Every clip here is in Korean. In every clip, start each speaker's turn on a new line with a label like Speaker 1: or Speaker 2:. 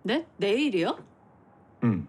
Speaker 1: 네? 내일이요?
Speaker 2: 응.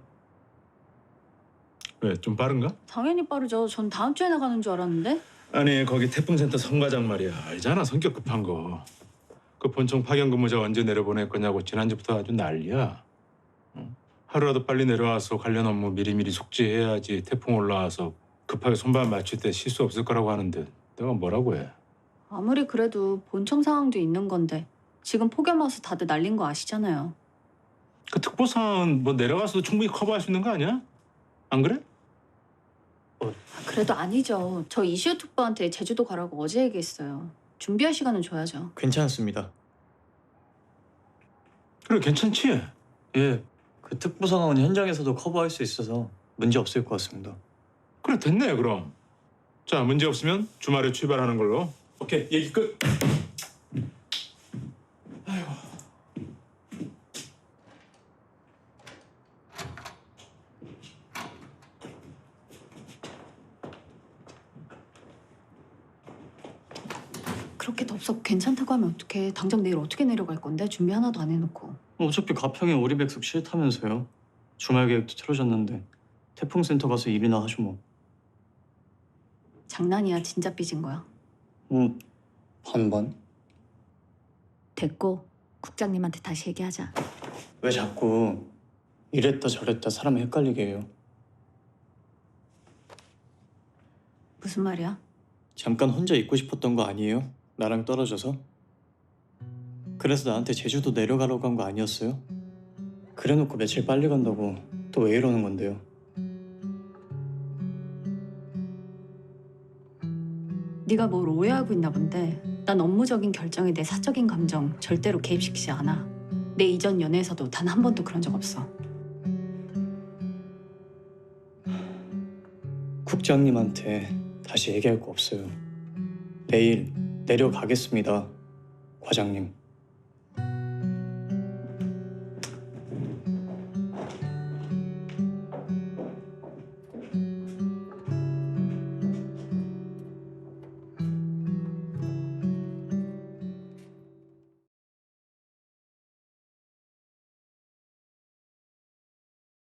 Speaker 2: 왜, 좀 빠른가?
Speaker 1: 당연히 빠르죠. 전 다음 주에 나가는 줄 알았는데.
Speaker 2: 아니, 거기 태풍센터 성과장 말이야. 알잖아, 성격 급한 거. 그 본청 파견 근무자 언제 내려보낼 거냐고 지난주부터 아주 난리야. 응? 하루라도 빨리 내려와서 관련 업무 미리미리 속지해야지 태풍 올라와서 급하게 손발 맞출 때 실수 없을 거라고 하는데 내가 뭐라고 해?
Speaker 1: 아무리 그래도 본청 상황도 있는 건데 지금 폭염 와서 다들 날린 거 아시잖아요.
Speaker 2: 그 특보 상황은 뭐 내려가서도 충분히 커버할 수 있는 거 아니야? 안 그래?
Speaker 1: 그래도 아니죠. 저 이시우 특보한테 제주도 가라고 어제 얘기했어요. 준비할 시간은 줘야죠.
Speaker 3: 괜찮습니다.
Speaker 2: 그래, 괜찮지?
Speaker 3: 예, 그 특보 상황은 현장에서도 커버할 수 있어서 문제 없을 것 같습니다.
Speaker 2: 그래, 됐네, 그럼. 자, 문제 없으면 주말에 출발하는 걸로. 오케이, 얘기 끝.
Speaker 1: 그렇게 덥석 괜찮다고 하면 어떡해. 당장 내일 어떻게 내려갈 건데? 준비 하나도 안 해놓고.
Speaker 3: 어차피 가평에 오리백숙 싫다면서요. 주말 계획도 틀어졌는데 태풍센터 가서 일이나 하죠 뭐.
Speaker 1: 장난이야. 진짜 삐진 거야.
Speaker 3: 반반?
Speaker 1: 됐고 국장님한테 다시 얘기하자.
Speaker 3: 왜 자꾸 이랬다 저랬다 사람 헷갈리게 해요.
Speaker 1: 무슨 말이야?
Speaker 3: 잠깐 혼자 있고 싶었던 거 아니에요? 나랑 떨어져서? 그래서 나한테 제주도 내려가라고 한 거 아니었어요? 그래놓고 며칠 빨리 간다고 또 왜 이러는 건데요?
Speaker 1: 네가 뭘 오해하고 있나 본데 난 업무적인 결정에 내 사적인 감정 절대로 개입시키지 않아. 내 이전 연애에서도 단 한 번도 그런 적 없어.
Speaker 3: 국장님한테 다시 얘기할 거 없어요. 내일 내려가겠습니다, 과장님.